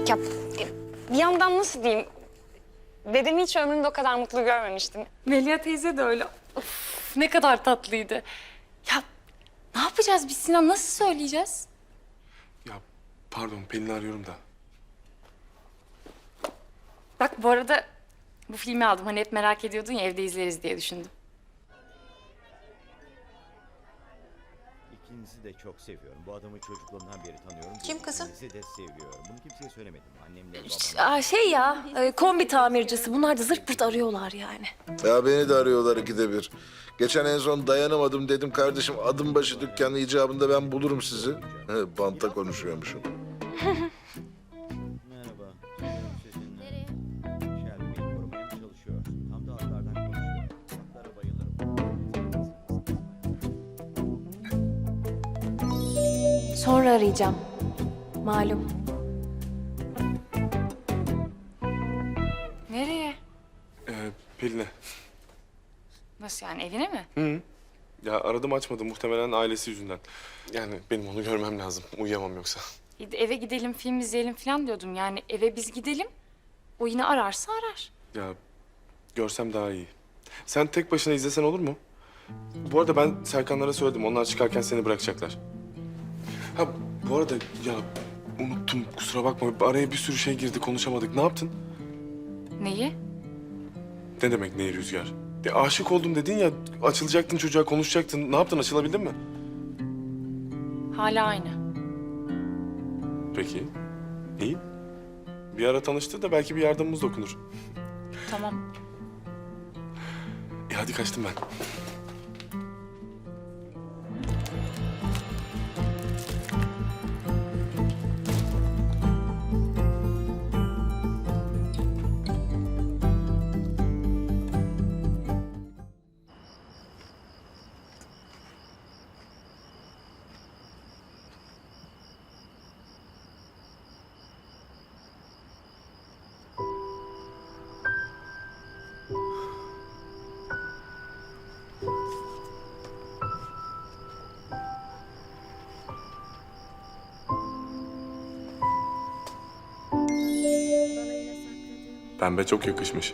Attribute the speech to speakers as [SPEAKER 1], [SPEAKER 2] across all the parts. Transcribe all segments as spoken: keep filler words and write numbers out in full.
[SPEAKER 1] Ya bir yandan nasıl diyeyim? Dedemi hiç ömrümde o kadar mutlu görmemiştim. Melia teyze de öyle. Of, ne kadar tatlıydı. Ya ne yapacağız biz Sinan? Nasıl söyleyeceğiz?
[SPEAKER 2] Ya pardon Pelin'i arıyorum da.
[SPEAKER 1] Bak bu arada bu filmi aldım. Hani hep merak ediyordun ya, evde izleriz diye düşündüm.
[SPEAKER 3] İkinizi de çok seviyorum. Bu adamı çocukluğumdan beri tanıyorum.
[SPEAKER 4] Kim kızım?
[SPEAKER 3] İkinizi de seviyorum. Bunu kimseye söylemedim. Annemle
[SPEAKER 5] Ş-
[SPEAKER 3] babam.
[SPEAKER 5] Aa, şey ya, e, kombi tamircisi. Bunlar da zırt pırt arıyorlar yani.
[SPEAKER 6] Ya beni de arıyorlar ikide bir. Geçen en son dayanamadım dedim kardeşim adım başı dükkanı icabında ben bulurum sizi. He, banta konuşuyormuşum.
[SPEAKER 3] Merhaba. Sanırım sizinle Shelby beni korumaya mı çalışıyorsun? Tam da atlardan konuşuyor. Atlara bayılırım.
[SPEAKER 5] Sonra arayacağım. Malum.
[SPEAKER 1] Nereye?
[SPEAKER 2] Ee, Pelin'e.
[SPEAKER 1] Nasıl yani, evine mi?
[SPEAKER 2] Hı. Ya aradım açmadı muhtemelen ailesi yüzünden. Yani benim onu görmem lazım. Uyuyamam yoksa.
[SPEAKER 1] Eve gidelim, film izleyelim falan diyordum. Yani eve biz gidelim. O yine ararsa arar.
[SPEAKER 2] Ya görsem daha iyi. Sen tek başına izlesen olur mu? Bu arada ben Serkanlara söyledim. Onlar çıkarken seni bırakacaklar. Ha bu arada ya unuttum kusura bakma. Araya bir sürü şey girdi konuşamadık. Ne yaptın?
[SPEAKER 1] Neyi?
[SPEAKER 2] Ne demek neyi Rüzgar? Ya aşık oldum dedin ya açılacaktın çocuğa konuşacaktın. Ne yaptın açılabildin mi?
[SPEAKER 1] Hala aynı.
[SPEAKER 2] Peki. İyi. Bir ara tanıştı da belki bir yardımımız dokunur.
[SPEAKER 1] Tamam.
[SPEAKER 2] E hadi kaçtım ben. Pembe çok yakışmış.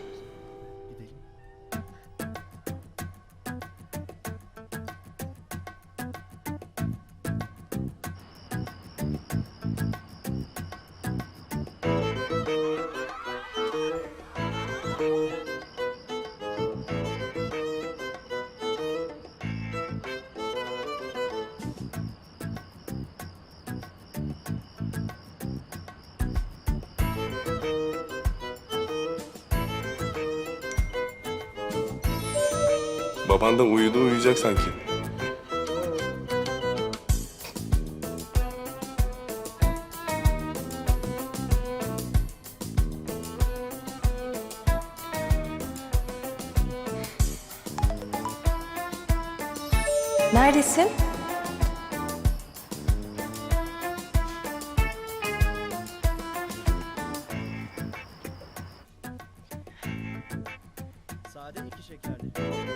[SPEAKER 2] Baban da uyudu uyuyacak sanki.
[SPEAKER 5] Neredesin?
[SPEAKER 3] Sade iki şekerli.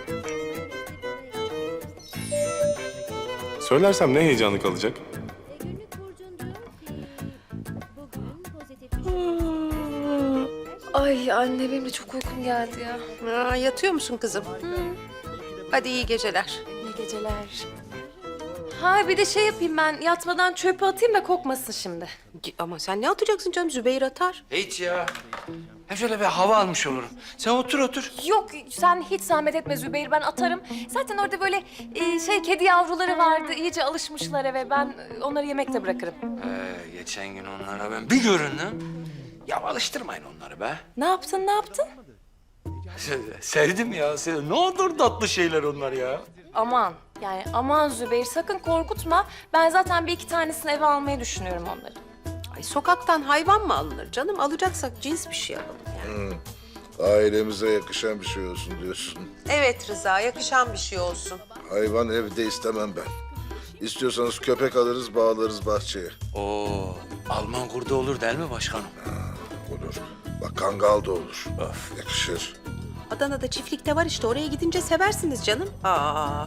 [SPEAKER 2] Söylersem ne heyecanlı kalacak?
[SPEAKER 7] Günlük burcun diyor ki bugün pozitif düşünceler.
[SPEAKER 5] Ay anne, benim de çok uykum geldi ya.
[SPEAKER 4] Aa, yatıyor musun kızım? Hadi iyi geceler.
[SPEAKER 5] İyi geceler. Ha bir de şey yapayım ben, yatmadan çöpü atayım da kokmasın şimdi.
[SPEAKER 4] Ama sen ne atacaksın canım? Zübeyir atar.
[SPEAKER 8] Hiç ya. Hem şöyle bir hava almış olurum. Sen otur otur.
[SPEAKER 5] Yok sen hiç zahmet etme Zübeyir, ben atarım. Zaten orada böyle e, şey kedi yavruları vardı, iyice alışmışlar eve. Ben e, onları yemekte bırakırım.
[SPEAKER 8] Ee, geçen gün onlara ben bir göründüm. Ya alıştırmayın onları be.
[SPEAKER 5] Ne yaptın, ne yaptın?
[SPEAKER 8] Se- Sevdim ya. Sevdim. Ne olur tatlı şeyler onlar ya.
[SPEAKER 5] Aman yani aman Zübeyir, sakın korkutma. Ben zaten bir iki tanesini eve almayı düşünüyorum onları.
[SPEAKER 4] Ay sokaktan hayvan mı alınır canım? Alacaksak cins bir şey alalım yani.
[SPEAKER 6] Ailemize yakışan bir şey olsun diyorsun.
[SPEAKER 4] Evet Rıza, yakışan bir şey olsun.
[SPEAKER 6] Hayvan evde istemem ben. İstiyorsanız köpek alırız bağlarız bahçeye.
[SPEAKER 8] Oo, Alman kurdu olur değil mi başkanım?
[SPEAKER 6] Olur. Bak kangal da olur.
[SPEAKER 8] Of.
[SPEAKER 6] Yakışır.
[SPEAKER 4] Adana'da çiftlikte var işte, oraya gidince seversiniz canım. Aa.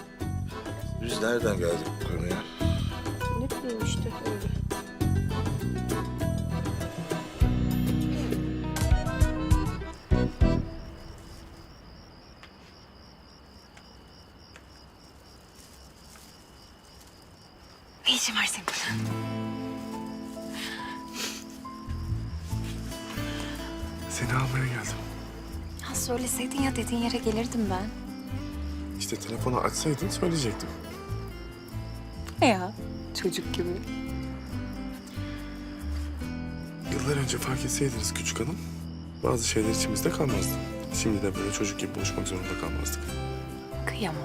[SPEAKER 6] Biz nereden geldik bu konuya?
[SPEAKER 4] Ne bileyim işte öyle.
[SPEAKER 1] işin var senin?
[SPEAKER 2] Seni almaya geldim.
[SPEAKER 1] Ya söyleseydin ya dediğin yere gelirdim ben.
[SPEAKER 2] İşte telefonu açsaydın söyleyecektim.
[SPEAKER 1] Ya çocuk gibi.
[SPEAKER 2] Yıllar önce fark etseydiniz küçük hanım, bazı şeyler içimizde kalmazdı. Şimdi de böyle çocuk gibi buluşmak zorunda kalmazdık.
[SPEAKER 1] Kıyamam.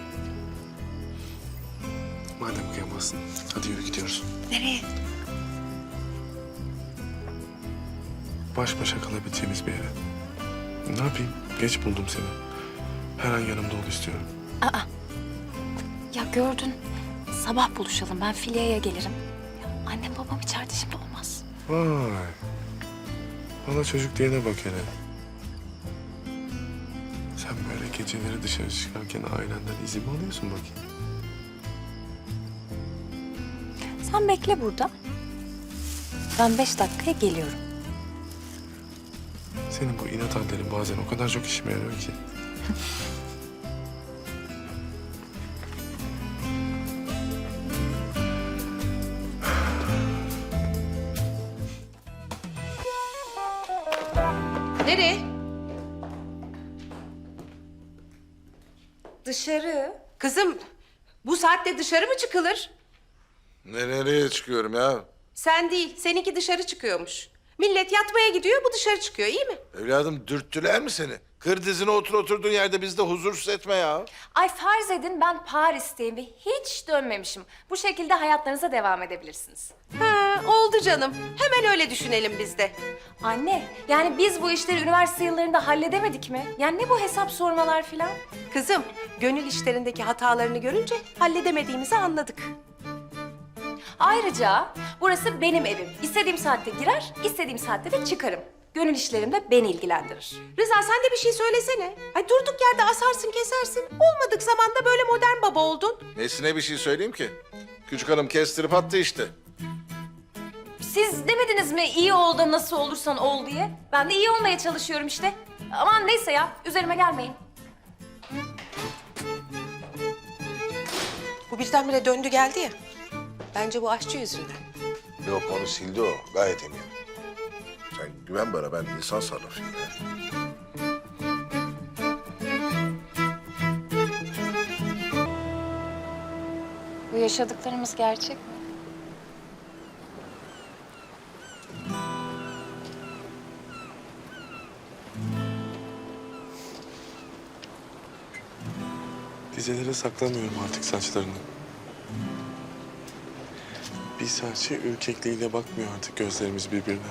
[SPEAKER 2] Madem kıyamazsın, hadi yürü gidiyoruz.
[SPEAKER 1] Nereye?
[SPEAKER 2] Baş başa kalabileceğimiz bir yere. Ne yapayım? Geç buldum seni. Her an yanımda ol istiyorum.
[SPEAKER 1] Aa. Ya gördün. Sabah buluşalım. Ben Filya'ya gelirim. Ya annem babam içeride şimdi olmaz.
[SPEAKER 2] Vay. Bana çocuk diyene bak hele. Sen böyle geceleri dışarı çıkarken ailenden izin mi alıyorsun bakayım?
[SPEAKER 1] Sen bekle burada. Ben beş dakikaya geliyorum.
[SPEAKER 2] Senin bu inat hallerin bazen o kadar çok işime yarıyor ki.
[SPEAKER 4] Nereye?
[SPEAKER 5] Dışarı.
[SPEAKER 4] Kızım bu saatte dışarı mı çıkılır?
[SPEAKER 6] Ne nereye çıkıyorum ya?
[SPEAKER 4] Sen değil, seninki dışarı çıkıyormuş. Millet yatmaya gidiyor, bu dışarı çıkıyor, iyi mi?
[SPEAKER 6] Evladım dürttüler mi seni? Kır dizine otur oturduğun yerde bizi de huzursuz etme ya.
[SPEAKER 5] Ay farz edin ben Paris'teyim ve hiç dönmemişim. Bu şekilde hayatlarınıza devam edebilirsiniz.
[SPEAKER 4] Ha, oldu canım. Hemen öyle düşünelim biz de.
[SPEAKER 5] Anne, yani biz bu işleri üniversite yıllarında halledemedik mi? Yani ne bu hesap sormalar filan?
[SPEAKER 4] Kızım, gönül işlerindeki hatalarını görünce halledemediğimizi anladık.
[SPEAKER 5] Ayrıca burası benim evim. İstediğim saatte girer, istediğim saatte de çıkarım. Gönül işlerim de beni ilgilendirir.
[SPEAKER 4] Rıza sen de bir şey söylesene. Ay durduk yerde asarsın kesersin. Olmadık zamanda böyle modern baba oldun.
[SPEAKER 6] Nesine bir şey söyleyeyim ki? Küçük hanım kestirip attı işte.
[SPEAKER 5] Siz demediniz mi iyi ol da nasıl olursan ol diye? Ben de iyi olmaya çalışıyorum işte. Aman neyse ya, üzerime gelmeyin.
[SPEAKER 4] Bu birdenbire döndü geldi ya. Bence bu aşçı yüzünden.
[SPEAKER 6] Yok onu sildi o. Gayet eminim. Sen güven bana, ben insan sarrafıyım ya.
[SPEAKER 1] Bu yaşadıklarımız gerçek mi?
[SPEAKER 2] Dizelere saklamıyorum artık saçlarını. Bir serçe ürkekliğiyle bakmıyor artık gözlerimiz birbirine.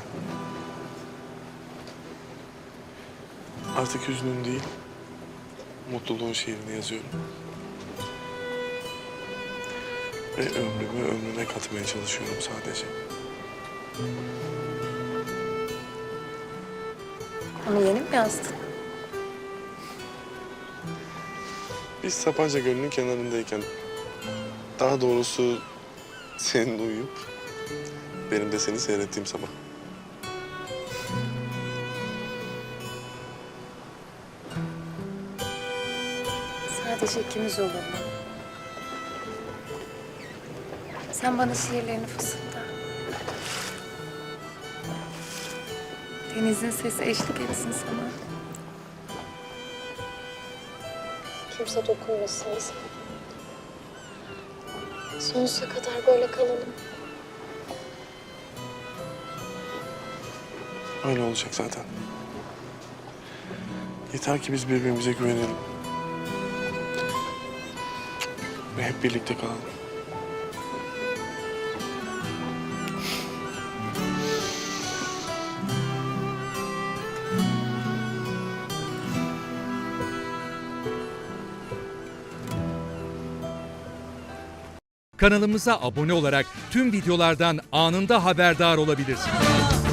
[SPEAKER 2] Artık hüznün değil, mutluluğun şiirini yazıyorum. Ve ömrümü ömrüne katmaya çalışıyorum sadece.
[SPEAKER 1] Onu yeni mi yazdın?
[SPEAKER 2] Biz Sapanca Gölü'nün kenarındayken, daha doğrusu senin uyuyup benim de seni seyrettiğim sabah.
[SPEAKER 1] Sadece ikimiz olur mu? Sen bana şiirlerini fısılda. Denizin sesi eşlik etsin sana. Kimse dokunmasın bize. Sonsuza kadar böyle kalalım.
[SPEAKER 2] Öyle olacak zaten. Yeter ki biz birbirimize güvenelim. Ve hep birlikte kalalım.
[SPEAKER 9] Kanalımıza abone olarak tüm videolardan anında haberdar olabilirsiniz.